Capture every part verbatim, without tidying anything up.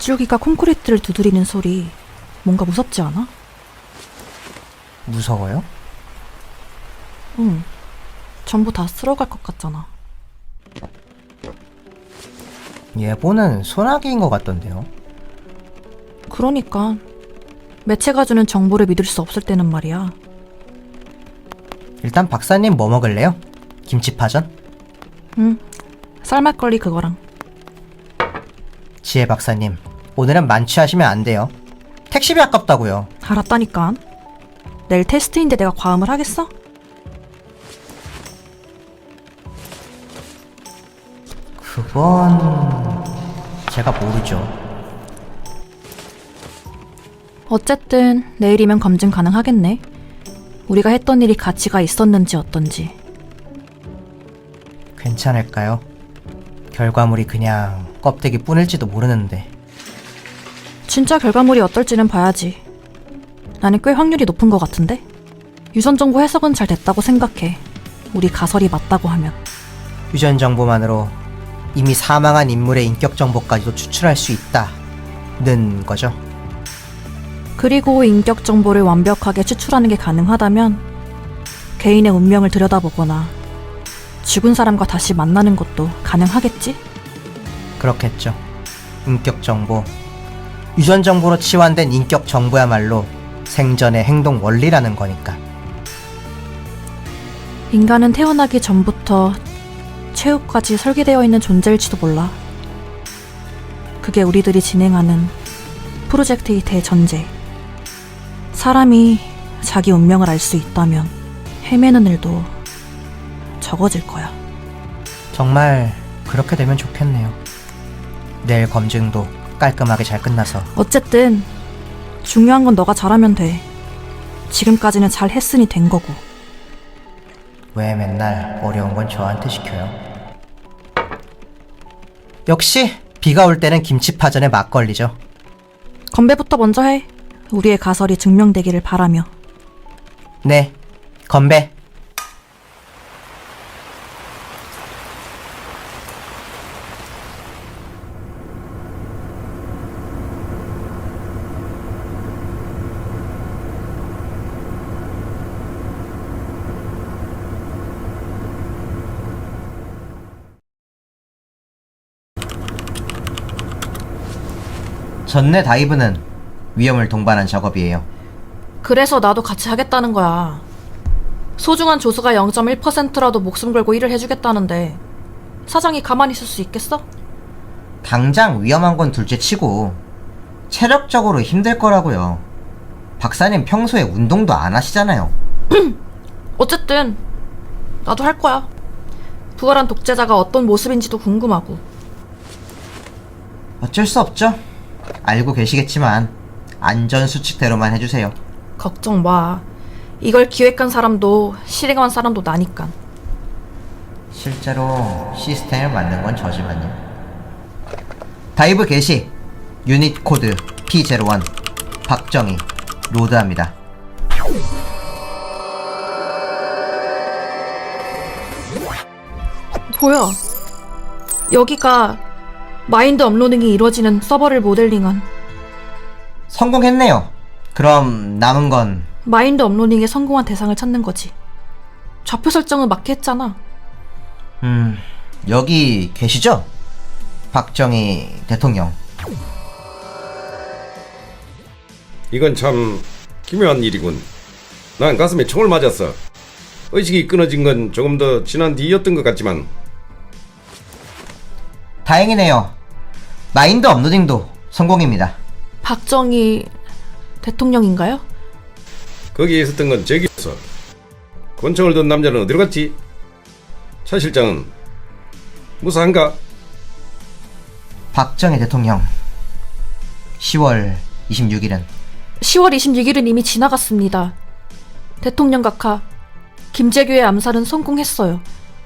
빗줄기가 콘크리트를 두드리는 소리 뭔가 무섭지 않아? 무서워요? 응. 전부 다 쓸어갈 것 같잖아. 예보는 소나기인 것 같던데요. 그러니까 매체가 주는 정보를 믿을 수 없을 때는 말이야. 일단 박사님 뭐 먹을래요? 김치파전? 응. 쌀막걸리 그거랑. 지혜 박사님, 오늘은 만취하시면 안 돼요. 택시비 아깝다고요. 알았다니까. 내일 테스트인데 내가 과음을 하겠어? 그건... 제가 모르죠. 어쨌든 내일이면 검증 가능하겠네. 우리가 했던 일이 가치가 있었는지 어떤지. 괜찮을까요? 결과물이 그냥 껍데기 뿐일지도 모르는데. 진짜 결과물이 어떨지는 봐야지. 나는 꽤 확률이 높은 것 같은데? 유선 정보 해석은 잘 됐다고 생각해. 우리 가설이 맞다고 하면. 유전 정보만으로 이미 사망한 인물의 인격 정보까지도 추출할 수 있다는 거죠. 그리고 인격 정보를 완벽하게 추출하는 게 가능하다면 개인의 운명을 들여다보거나 죽은 사람과 다시 만나는 것도 가능하겠지? 그렇겠죠. 인격 정보. 유전 정보로 치환된 인격 정보야말로 생전의 행동 원리라는 거니까. 인간은 태어나기 전부터 최후까지 설계되어 있는 존재일지도 몰라. 그게 우리들이 진행하는 프로젝트의 대전제. 사람이 자기 운명을 알 수 있다면 헤매는 일도 적어질 거야. 정말 그렇게 되면 좋겠네요. 내일 검증도 깔끔하게 잘 끝나서. 어쨌든 중요한 건 너가 잘하면 돼. 지금까지는 잘 했으니 된 거고. 왜 맨날 어려운 건 저한테 시켜요? 역시 비가 올 때는 김치파전에 막걸리죠. 건배부터 먼저 해. 우리의 가설이 증명되기를 바라며. 네, 건배. 전내 다이브는 위험을 동반한 작업이에요. 그래서 나도 같이 하겠다는 거야. 소중한 조수가 영 점 일 퍼센트라도 목숨 걸고 일을 해주겠다는데 사장이 가만히 있을 수 있겠어? 당장 위험한 건 둘째치고 체력적으로 힘들 거라고요. 박사님 평소에 운동도 안 하시잖아요. 어쨌든 나도 할 거야. 부활한 독재자가 어떤 모습인지도 궁금하고. 어쩔 수 없죠. 알고 계시겠지만 안전수칙대로만 해주세요. 걱정 마. 이걸 기획한 사람도 실행한 사람도 나니까. 실제로 시스템을 만든 건 저지만요. 다이브 개시. 유닛 코드 피 제로일. 박정희. 로드합니다. 뭐야? 여기가 마인드 업로딩이 이루어지는 서버를 모델링한. 성공했네요. 그럼 남은 건 마인드 업로딩에 성공한 대상을 찾는 거지. 좌표 설정은 맞게 했잖아. 음... 여기 계시죠? 박정희 대통령. 이건 참 기묘한 일이군. 난 가슴에 총을 맞았어. 의식이 끊어진 건 조금 더 지난 뒤였던 것 같지만. 다행이네요. 마인드 업로딩도 성공입니다. 박정희 대통령인가요? 거기에 있었던 건 제기였어. 권총을 든 남자는 어디로 갔지? 차 실장은 무사한가? 박정희 대통령. 시월 이십육일은 시월 이십육일은 이미 지나갔습니다. 대통령 각하 김재규의 암살은 성공했어요.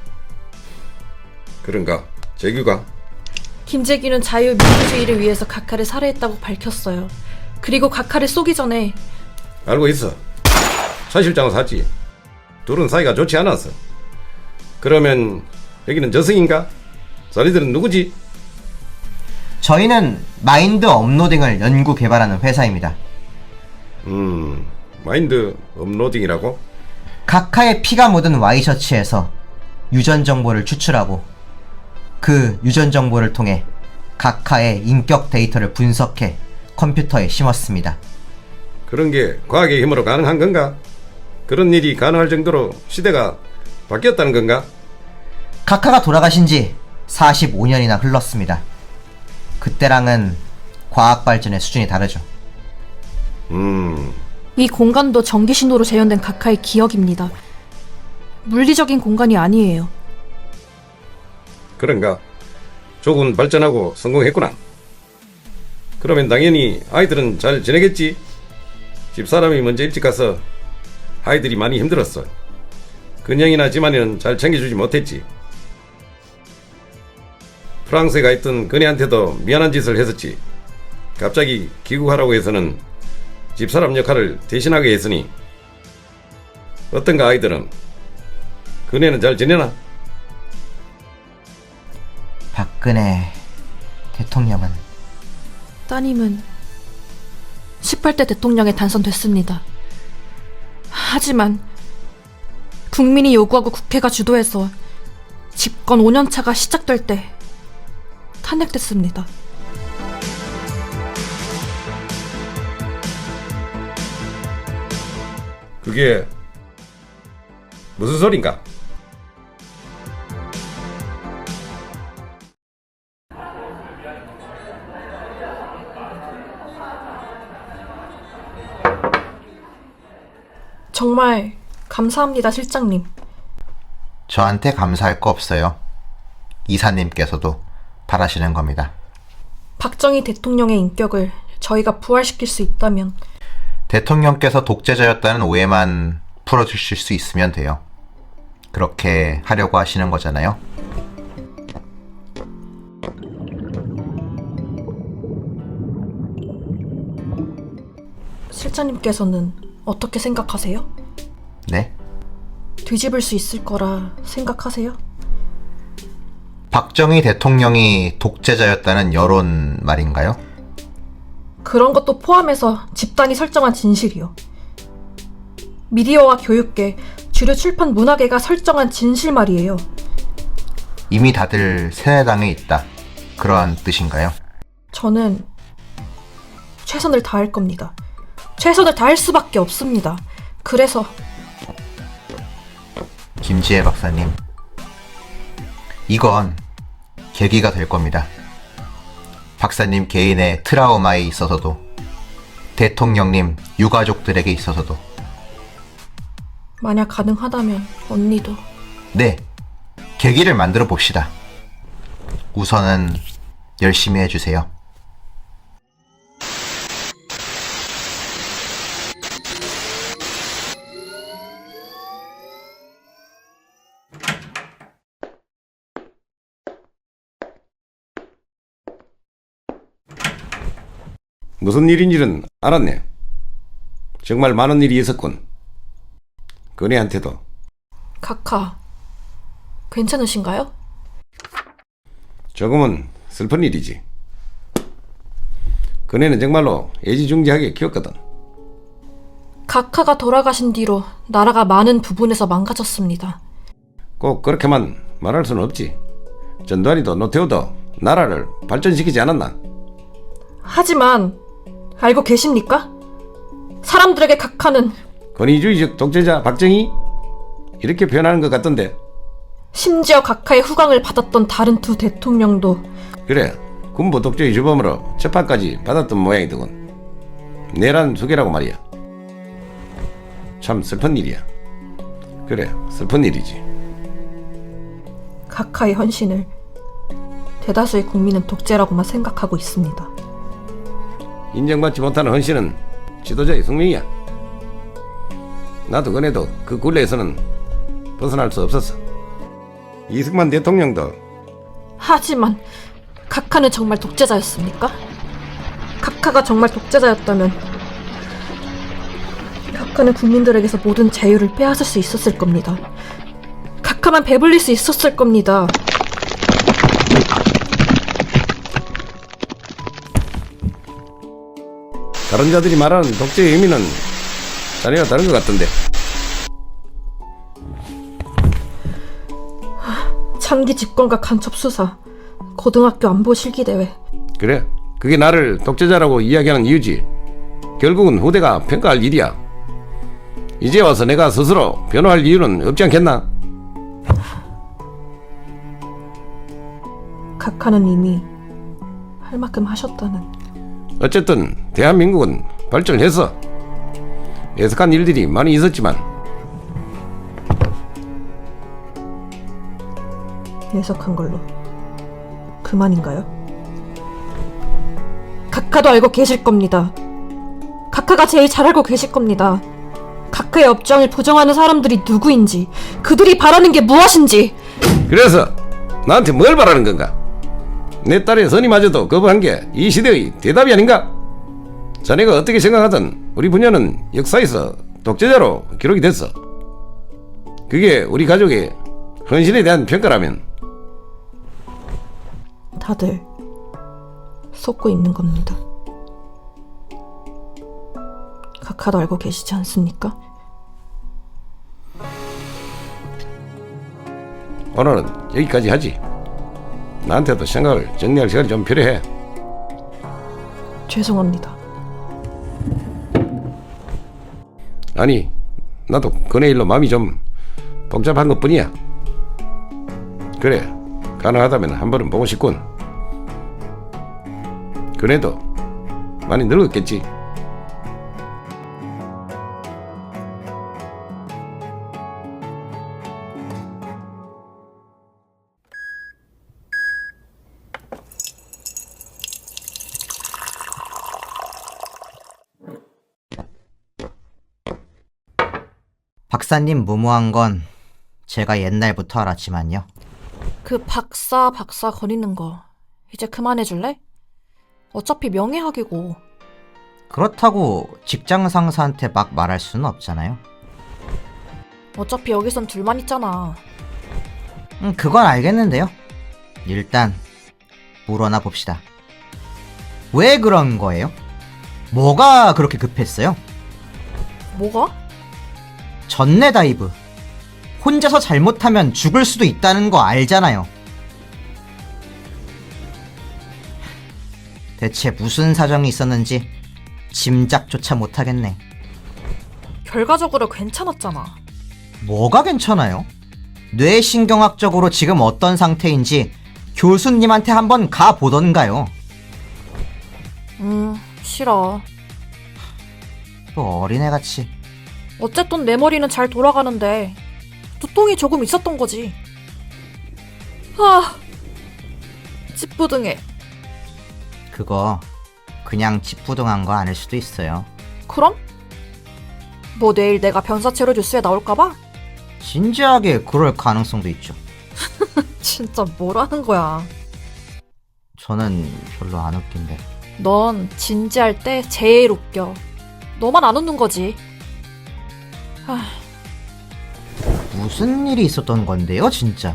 그런가? 재규가? 김재규는 자유민주주의를 위해서 각하를 살해했다고 밝혔어요. 그리고 각하를 쏘기 전에. 알고 있어. 차 실장은 샀지. 둘은 사이가 좋지 않았어. 그러면 여기는 저승인가? 자네들은 누구지? 저희는 마인드 업로딩을 연구 개발하는 회사입니다. 음, 마인드 업로딩이라고? 각하의 피가 묻은 와이셔츠에서 유전 정보를 추출하고 그 유전 정보를 통해 각하의 인격 데이터를 분석해 컴퓨터에 심었습니다. 그런 게 과학의 힘으로 가능한 건가? 그런 일이 가능할 정도로 시대가 바뀌었다는 건가? 각하가 돌아가신 지 사십오 년이나 흘렀습니다. 그때랑은 과학 발전의 수준이 다르죠. 음, 이 공간도 전기 신호로 재현된 각하의 기억입니다. 물리적인 공간이 아니에요. 그런가? 조금 발전하고 성공했구나. 그러면 당연히 아이들은 잘 지내겠지? 집사람이 먼저 일찍 가서 아이들이 많이 힘들었어. 근영이나 지만이는 잘 챙겨주지 못했지. 프랑스에 가 있던 그네한테도 미안한 짓을 했었지. 갑자기 귀국하라고 해서는 집사람 역할을 대신하게 했으니. 어떤가 아이들은? 그네는 잘 지내나? 박근혜 대통령은 따님은 십팔 대 대통령에 당선됐습니다. 하지만 국민이 요구하고 국회가 주도해서 집권 오 년 차가 시작될 때 탄핵됐습니다. 그게 무슨 소린가? 정말 감사합니다, 실장님. 저한테 감사할 거 없어요. 이사님께서도 바라시는 겁니다. 박정희 대통령의 인격을 저희가 부활시킬 수 있다면 대통령께서 독재자였다는 오해만 풀어주실 수 있으면 돼요. 그렇게 하려고 하시는 거잖아요. 실장님께서는 어떻게 생각하세요? 네? 뒤집을 수 있을 거라 생각하세요? 박정희 대통령이 독재자였다는 여론 말인가요? 그런 것도 포함해서 집단이 설정한 진실이요. 미디어와 교육계, 주류 출판 문화계가 설정한 진실 말이에요. 이미 다들 새누리당에 있다. 그러한 뜻인가요? 저는 최선을 다할 겁니다. 최선을 다할 수밖에 없습니다. 그래서 김지혜 박사님, 이건 계기가 될 겁니다. 박사님 개인의 트라우마에 있어서도, 대통령님 유가족들에게 있어서도. 만약 가능하다면 언니도. 네, 계기를 만들어 봅시다. 우선은 열심히 해주세요. 무슨 일인지는 알았네. 정말 많은 일이 있었군. 그네한테도. 카카, 괜찮으신가요? 조금은 슬픈 일이지. 그네는 정말로 애지중지하게 키웠거든. 카카가 돌아가신 뒤로 나라가 많은 부분에서 망가졌습니다. 꼭 그렇게만 말할 수는 없지. 전두환이도 노태우도 나라를 발전시키지 않았나? 하지만 알고 계십니까? 사람들에게 카카는 권위주의적 독재자 박정희? 이렇게 표현하는 것 같던데. 심지어 카카의 후광을 받았던 다른 두 대통령도 그래, 군부 독재의 주범으로 재판까지 받았던 모양이더군. 내란 수계라고 말이야. 참 슬픈 일이야. 그래, 슬픈 일이지. 카카의 헌신을 대다수의 국민은 독재라고만 생각하고 있습니다. 인정받지 못하는 헌신은 지도자의 숙명이야. 나도 그네도 그 굴레에서는 벗어날 수 없었어. 이승만 대통령도. 하지만 카카는 정말 독재자였습니까? 카카가 정말 독재자였다면 카카는 국민들에게서 모든 자유를 빼앗을 수 있었을 겁니다. 카카만 배불릴 수 있었을 겁니다. 다른 자들이 말하는 독재의 의미는 자네가 다른 것 같던데. 장기 집권과 간첩 수사, 고등학교 안보 실기대회. 그래, 그게 나를 독재자라고 이야기하는 이유지. 결국은 후대가 평가할 일이야. 이제 와서 내가 스스로 변호할 이유는 없지 않겠나? 각하는 이미 할 만큼 하셨다는. 어쨌든 대한민국은 발전을 했어. 애석한 일들이 많이 있었지만 예석한 걸로 그만인가요? 각하도 알고 계실 겁니다. 각하가 제일 잘 알고 계실 겁니다. 각하의 업장을 부정하는 사람들이 누구인지, 그들이 바라는 게 무엇인지. 그래서 나한테 뭘 바라는 건가? 내 딸의 선임마저도 거부한 게 이 시대의 대답이 아닌가? 자네가 어떻게 생각하든 우리 부녀는 역사에서 독재자로 기록이 됐어. 그게 우리 가족의 헌신에 대한 평가라면 다들 속고 있는 겁니다. 각하도 알고 계시지 않습니까? 오늘은 여기까지 하지. 나한테도 생각을 정리할 시간이 좀 필요해. 죄송합니다. 아니, 나도 그네 일로 마음이 좀 복잡한 것뿐이야. 그래, 가능하다면 한 번은 보고 싶군. 그네도 많이 늙었겠지. 박사님 무모한 건 제가 옛날부터 알았지만요. 그 박사 박사 거리는 거 이제 그만해줄래? 어차피 명예학이고. 그렇다고 직장 상사한테 막 말할 수는 없잖아요. 어차피 여기선 둘만 있잖아. 음, 그건 알겠는데요. 일단 물어나 봅시다. 왜 그런 거예요? 뭐가 그렇게 급했어요? 뭐가? 전내 다이브. 혼자서 잘못하면 죽을 수도 있다는 거 알잖아요. 대체 무슨 사정이 있었는지 짐작조차 못하겠네. 결과적으로 괜찮았잖아. 뭐가 괜찮아요? 뇌신경학적으로 지금 어떤 상태인지 교수님한테 한번 가보던가요. 음, 싫어. 또 어린애같이. 어쨌든 내 머리는 잘 돌아가는데 두통이 조금 있었던 거지. 아, 찌뿌둥해. 그거 그냥 찌뿌둥한 거 아닐 수도 있어요. 그럼? 뭐 내일 내가 변사체로 뉴스에 나올까봐? 진지하게 그럴 가능성도 있죠. 진짜 뭐라는 거야. 저는 별로 안 웃긴데. 넌 진지할 때 제일 웃겨. 너만 안 웃는 거지. 아, 무슨 일이 있었던 건데요, 진짜?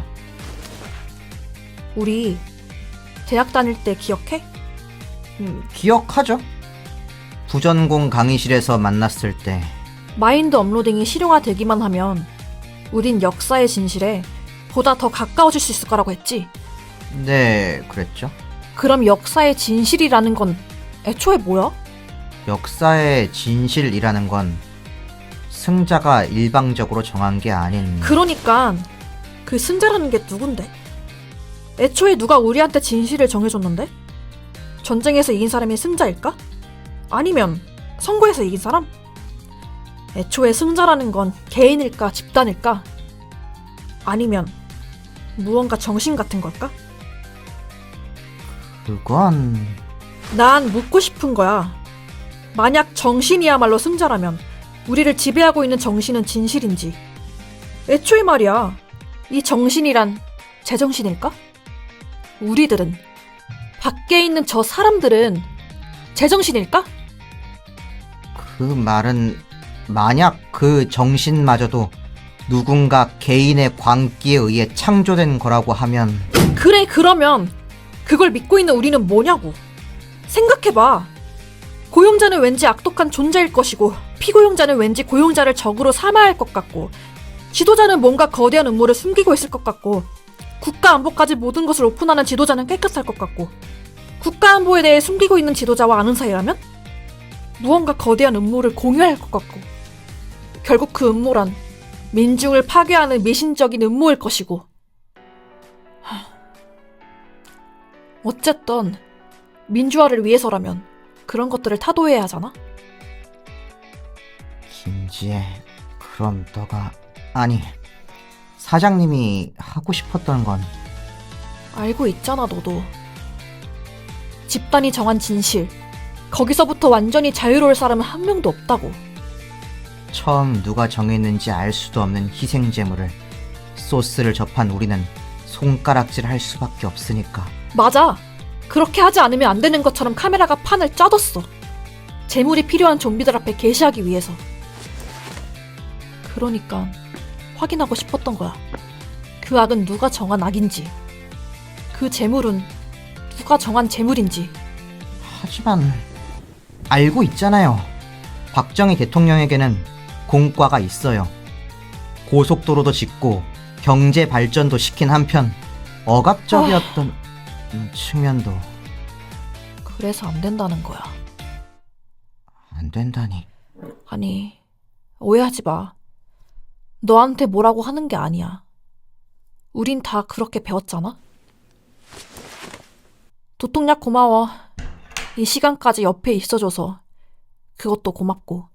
우리 대학 다닐 때 기억해? 음, 기억하죠? 부전공 강의실에서 만났을 때. 마인드 업로딩이 실용화되기만 하면 우린 역사의 진실에 보다 더 가까워질 수 있을 거라고 했지. 네, 그랬죠. 그럼 역사의 진실이라는 건 애초에 뭐야? 역사의 진실이라는 건 승자가 일방적으로 정한 게 아닌. 그러니까 그 승자라는 게 누군데? 애초에 누가 우리한테 진실을 정해줬는데? 전쟁에서 이긴 사람이 승자일까? 아니면 선거에서 이긴 사람? 애초에 승자라는 건 개인일까 집단일까? 아니면 무언가 정신 같은 걸까? 그건... 난 묻고 싶은 거야. 만약 정신이야말로 승자라면 우리를 지배하고 있는 정신은 진실인지, 애초에 말이야, 이 정신이란 제정신일까? 우리들은, 밖에 있는 저 사람들은 제정신일까? 그 말은 만약 그 정신마저도 누군가 개인의 광기에 의해 창조된 거라고 하면. 그래, 그러면 그걸 믿고 있는 우리는 뭐냐고. 생각해봐. 고용자는 왠지 악독한 존재일 것이고 피고용자는 왠지 고용자를 적으로 삼아야 할 것 같고 지도자는 뭔가 거대한 음모를 숨기고 있을 것 같고 국가 안보까지 모든 것을 오픈하는 지도자는 깨끗할 것 같고 국가 안보에 대해 숨기고 있는 지도자와 아는 사이라면 무언가 거대한 음모를 공유할 것 같고 결국 그 음모란 민중을 파괴하는 미신적인 음모일 것이고 하... 어쨌든 민주화를 위해서라면 그런 것들을 타도해야 하잖아? 김지혜, 그럼 너가... 아니, 사장님이 하고 싶었던 건... 알고 있잖아, 너도. 집단이 정한 진실, 거기서부터 완전히 자유로울 사람은 한 명도 없다고. 처음 누가 정했는지 알 수도 없는 희생제물을 소스를 접한 우리는 손가락질 할 수밖에 없으니까. 맞아. 그렇게 하지 않으면 안 되는 것처럼 카메라가 판을 짜뒀어. 재물이 필요한 좀비들 앞에 게시하기 위해서. 그러니까 확인하고 싶었던 거야. 그 악은 누가 정한 악인지, 그 재물은 누가 정한 재물인지. 하지만 알고 있잖아요. 박정희 대통령에게는 공과가 있어요. 고속도로도 짓고 경제 발전도 시킨 한편 억압적이었던 음, 측면도. 그래서 안 된다는 거야. 안 된다니. 아니, 오해하지 마. 너한테 뭐라고 하는 게 아니야. 우린 다 그렇게 배웠잖아? 도통약 고마워. 이 시간까지 옆에 있어줘서 그것도 고맙고.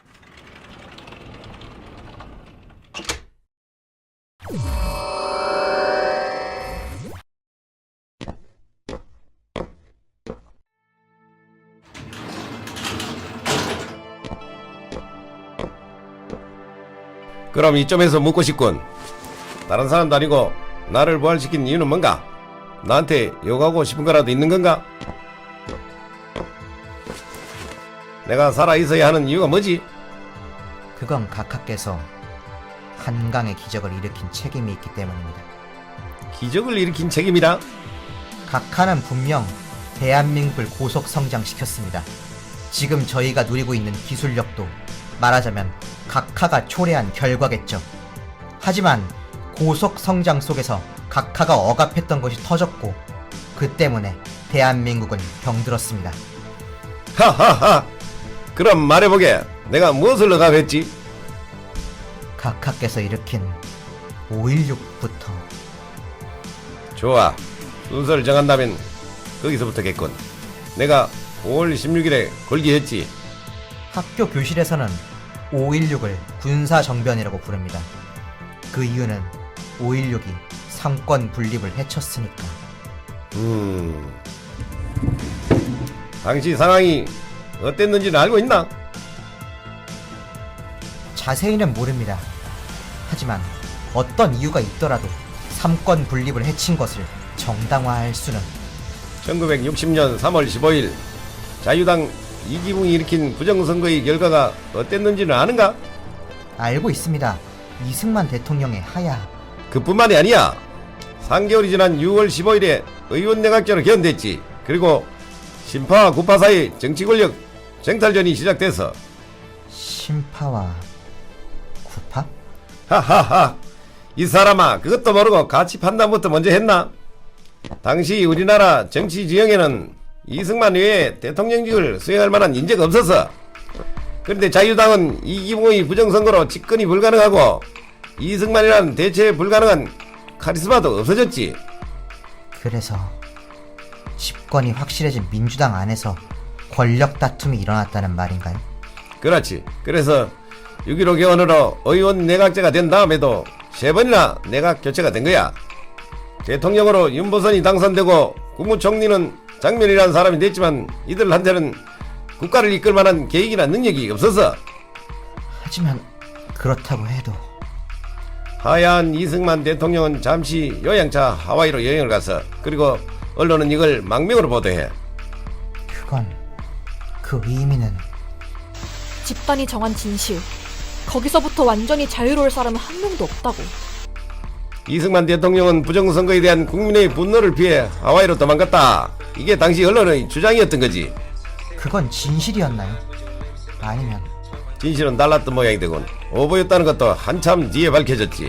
그럼 이점에서 묻고 싶군. 다른 사람도 아니고 나를 부활시킨 이유는 뭔가? 나한테 욕하고 싶은 거라도 있는 건가? 내가 살아있어야 하는 이유가 뭐지? 그건 각하께서 한강의 기적을 일으킨 책임이 있기 때문입니다. 기적을 일으킨 책임이라? 각하는 분명 대한민국을 고속 성장시켰습니다. 지금 저희가 누리고 있는 기술력도 말하자면 각하가 초래한 결과겠죠. 하지만 고속 성장 속에서 각하가 억압했던 것이 터졌고 그 때문에 대한민국은 병들었습니다. 하하하! 그럼 말해보게. 내가 무엇을 억압했지? 각하께서 일으킨 오일육부터. 좋아. 순서를 정한다면 거기서부터겠군. 내가 오월 십육일에 걸기했지. 학교 교실에서는 오일육을 군사정변이라고 부릅니다. 그 이유는 오일육이 삼권 분립을 해쳤으니까. 음... 당시 상황이 어땠는지는 알고 있나? 자세히는 모릅니다. 하지만 어떤 이유가 있더라도 삼권 분립을 해친 것을 정당화할 수는. 천구백육십년 삼월 십오일 자유당 이기붕이 일으킨 부정선거의 결과가 어땠는지는 아는가? 알고 있습니다. 이승만 대통령의 하야. 그뿐만이 아니야. 삼 개월이 지난 유월 십오일에 의원 내각제로 개헌됐지. 그리고 신파와 구파 사이 정치권력 쟁탈전이 시작돼서. 신파와 구파? 하하하. 이 사람아, 그것도 모르고 가치 판단부터 먼저 했나? 당시 우리나라 정치 지형에는 이승만 외에 대통령직을 수행할 만한 인재가 없었어. 그런데 자유당은 이기붕의 부정선거로 집권이 불가능하고 이승만이라는 대체 불가능한 카리스마도 없어졌지. 그래서 집권이 확실해진 민주당 안에서 권력 다툼이 일어났다는 말인가요? 그렇지. 그래서 육점일오 개헌으로 의원 내각제가 된 다음에도 세 번이나 내각 교체가 된 거야. 대통령으로 윤보선이 당선되고 국무총리는 장면이라는 사람이 됐지만 이들한테는 국가를 이끌 만한 계획이나 능력이 없어서. 하지만 그렇다고 해도 하야한 이승만 대통령은 잠시 요양차 하와이로 여행을 가서, 그리고 언론은 이걸 망명으로 보도해. 그건 그 의미는 집단이 정한 진실, 거기서부터 완전히 자유로울 사람은 한 명도 없다고. 이승만 대통령은 부정선거에 대한 국민의 분노를 피해 하와이로 도망갔다. 이게 당시 언론의 주장이었던 거지. 그건 진실이었나요? 아니면 진실은 달랐던 모양이 되군. 오보였다는 것도 한참 뒤에 밝혀졌지.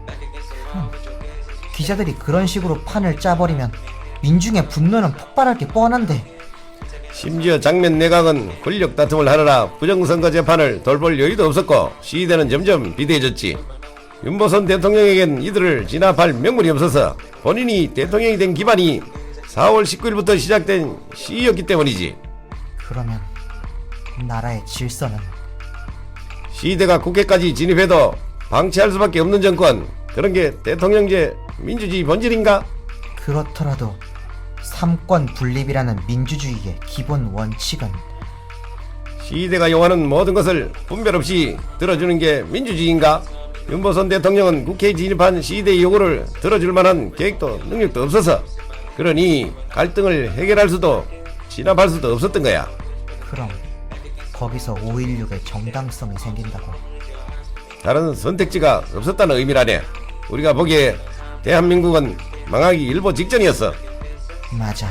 기자들이 그런 식으로 판을 짜버리면 민중의 분노는 폭발할 게 뻔한데. 심지어 장면 내각은 권력 다툼을 하느라 부정선거 재판을 돌볼 여유도 없었고 시대는 점점 비대해졌지. 윤보선 대통령에겐 이들을 진압할 명분이 없어서 본인이 대통령이 된 기반이 사월 십구일부터 시작된 시위였기 때문이지. 그러면 나라의 질서는? 시대가 국회까지 진입해도 방치할 수밖에 없는 정권, 그런 게 대통령제 민주주의 본질인가? 그렇더라도 삼권 분립이라는 민주주의의 기본 원칙은 시대가 요하는 모든 것을 분별 없이 들어주는 게 민주주의인가? 윤보선 대통령은 국회에 진입한 시대의 요구를 들어줄 만한 계획도 능력도 없어서 그러니 갈등을 해결할 수도 진압할 수도 없었던 거야. 그럼 거기서 오일육의 정당성이 생긴다고? 다른 선택지가 없었다는 의미라네. 우리가 보기에 대한민국은 망하기 일보 직전이었어. 맞아.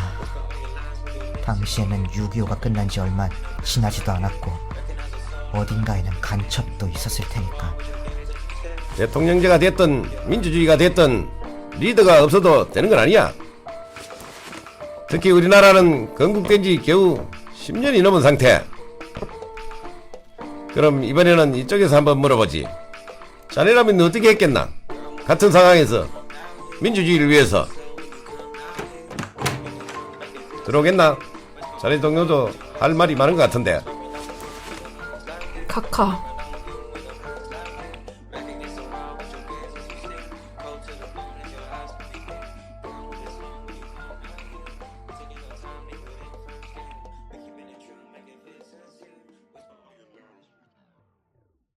당시에는 육이오가 끝난 지 얼마 지나지도 않았고 어딘가에는 간첩도 있었을 테니까. 대통령제가 됐든 민주주의가 됐든 리더가 없어도 되는 건 아니야. 특히 우리나라는 건국된 지 겨우 십 년이 넘은 상태. 그럼 이번에는 이쪽에서 한번 물어보지. 자네라면 어떻게 했겠나? 같은 상황에서 민주주의를 위해서. 들어오겠나? 자네 동료도 할 말이 많은 것 같은데. 카카,